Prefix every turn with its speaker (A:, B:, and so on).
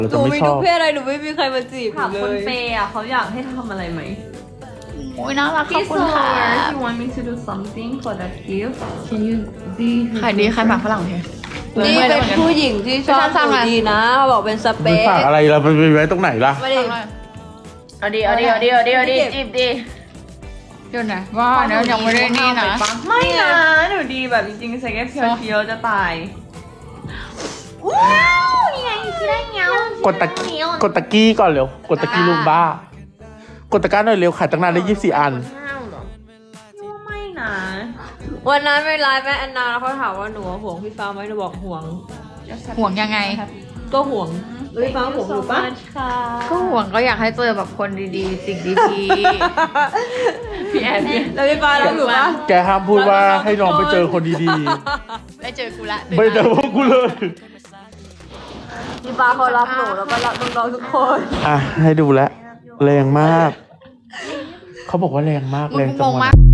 A: เรา
B: ห
A: จะ
B: นู
A: ไม่
B: มี
A: ช
B: ทุ
A: อก บ
B: เพศอะไรหนูไม่มีใครมาจีบหนู
C: ถาม
B: เล
C: คน
B: ย
C: เปย์อ่ะเขาอยากให้ทำอะไรไหม
D: โอ้ยน่ารักขอบ
C: พี่
D: คุ
C: โซ
D: ณค่ะ
C: you want me to do something for that gift can you do
D: ขายดีใครหมักฝรั่งเพ
B: นี่เป็นผู้หญิงที่ชอบหนูดีนะบอกเป็นสเป
A: มัน
B: ค
A: ฝากอะไรเราไปไว้ตรงไหนล่ะ
B: ไม่ได้
D: เอาดีจีบดีเดี๋ยวนะว่าเดี๋ยวยังไม่ได้นี่นะ
C: ไม่นะหนูดีแบบจริงๆใส่แค่เพียวๆจะตาย
A: กดตะกี้ก่อนเร็ว กดตะกี้ลุงบ้า กดตะกร้าหน่อยเร็วขายตั้งนานได้24 อัน
C: ไม่นะ
B: วันนั้นไปไลฟ์แม่แอนนาแล้วเขาถามว่าหนูห่วงพี่ฟ้าไหมหนูบอกห่วง
D: ห่วงยังไง
B: ก็ห่วงพี่ฟ้าห่วงหนูปะ
D: ก็ห่วงก็อยากให้เจอแบบคนดีๆ สิ่งดีๆ พี่แอน
B: แล้วพี่ฟ้ารักหนูปะ
A: แกห้ามพูดว่าให้น้องไปเจอคนดี
D: ได้เจอกูละ
A: ๆ ไม่เจอพวกกูเลย
B: พี่ฟ้าเขารักหนูแล้วก็รักน้องๆทุกคน
A: อ่ะ ให้ดูแลวแรงมาก เขาบอกว่าแรงมาก
D: มึ
A: แรง
D: ง
A: จั
D: ง
A: ง
D: ง
A: หวะ
D: มาก